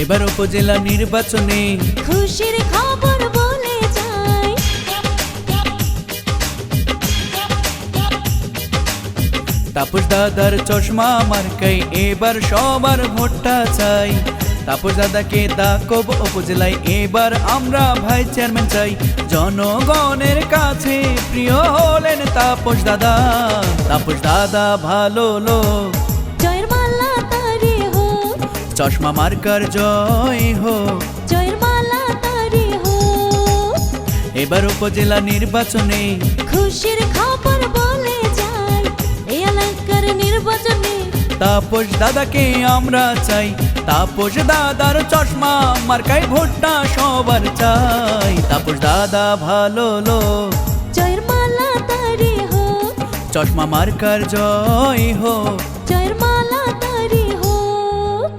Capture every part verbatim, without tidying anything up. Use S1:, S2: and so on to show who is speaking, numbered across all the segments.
S1: এবার উপজেলা নির্বাচনে
S2: খুশির খবর বলে যাই।
S1: তাপস দাদার চশমা মার্কাই এবার সবার ভোটটা চাই। তাপস দাদাকে দাকব উপজেলায় এবার আমরা ভাই চেয়ারম্যান চাই। জনগণের কাছে প্রিয় হলেন তাপস দাদা। তাপস দাদা ভালো লোক,
S2: জয়ের মালা তারি হোক,
S1: চশমা মার্কার জয় হোক।
S2: জয়ের মালা তারি হোক।
S1: এবার উপজেলা নির্বাচনে
S2: খুশির খবর বলে যাই। এই এলাকার নির্বাচনে
S1: তাপস দাদাকে আমরা চাই। তাপস দাদার চশমা মার্কাই ভোটটা সবার চাই। তাপস দাদা ভালো লোক,
S2: জয়ের মালা তারি হোক,
S1: চশমা মার্কার জয় হোক।
S2: জয়ের মালা তারি হোক।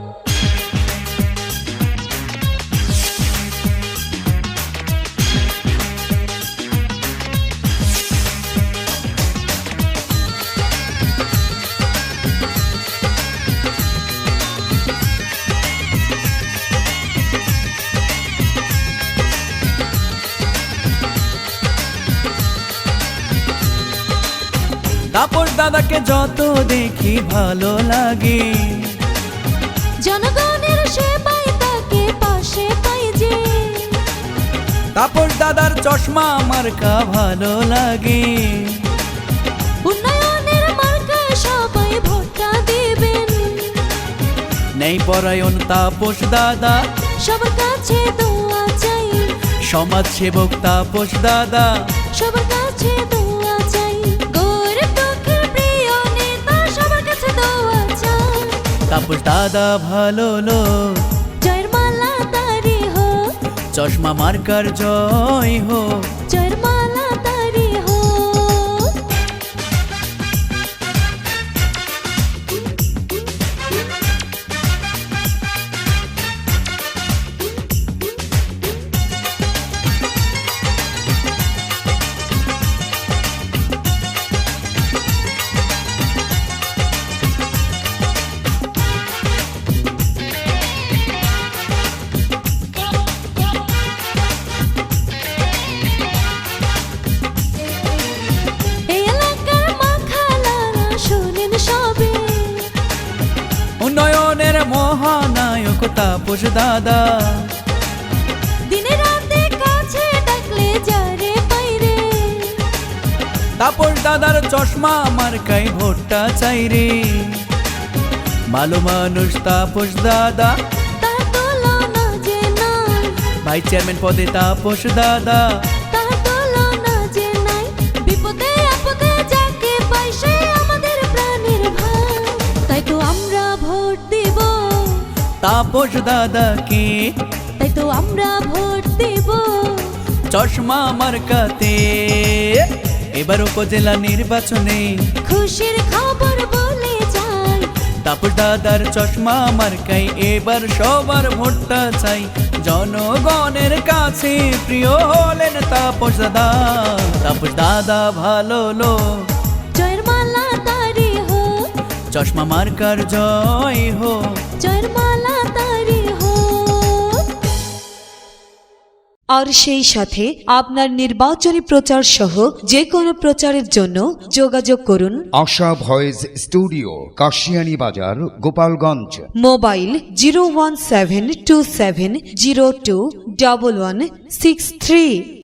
S1: তাপস দাদাকে যত দেখি ভালো লাগে,
S2: জনগণের সেবায় তাকে পাশে পাই যে।
S1: তাপস দাদার চশমা মার্কা ভালো লাগে।
S2: উন্নয়নের মার্কায় সবাই ভোটটা দেবেন।
S1: নেই পরায়ণ তাপস দাদা,
S2: সবার কাছে দোয়া চাই।
S1: সমাজ সেবক তাপস দাদা।
S2: সবার কাছে দোয়া চাই। গরিব দুঃখীর প্রিয় নেতা, সবার কাছে দোয়া চাই।
S1: তাপস দাদা ভালো লোক,
S2: জয়ের মালা তারি হোক,
S1: চশমা মার্কার জয় হোক।
S2: জয়ের মালা তারি হোক। এই এলাকার মাখালারা শোনেন সবে।
S1: উন্নয়নের মহানায়ক তাপস দাদা।
S2: দিনে রাতে কাছে ডাকলে যারে পাইরে।
S1: তাপস দাদার চশমা মার্কাই ভোটটা চাই রে। ভালো মানুষ তাপস দাদা,
S2: তার তুলনা যে নাই,
S1: ভাই চেয়ারম্যান পদে তাপস দাদা।
S2: তার তুলনা যে নাই। বিপদে আপদে যাকে পাই সে আমাদের প্রাণের ভাই। তাই তো আমরা ভোট দেব,
S1: তাপস দাদাকে
S2: তাই তো আমরা ভোট দেব।
S1: চশমা মার্কাতে এবার উপজেলা নির্বাচনে
S2: খুশির খবর বলে যাই।
S1: তাপস দাদার চশমা মার্কাই এবার সবার ভোটটা চাই। জনগণের কাছে প্রিয় হলেন তাপস দাদা। তাপস দাদা ভালো লোক,
S2: জয়ের মালা তারি হোক,
S1: চশমা মার্কার জয় হোক।
S2: জয়ের মালা তারি হোক।
S3: আর সেই সাথে আপনার নির্বাচনী প্রচার সহ যে কোনো প্রচারের জন্য যোগাযোগ করুন
S4: আশা voice studio, Kashiani Bazar, Gopalganj.
S3: Mobile zero one seven two seven zero two double one six three.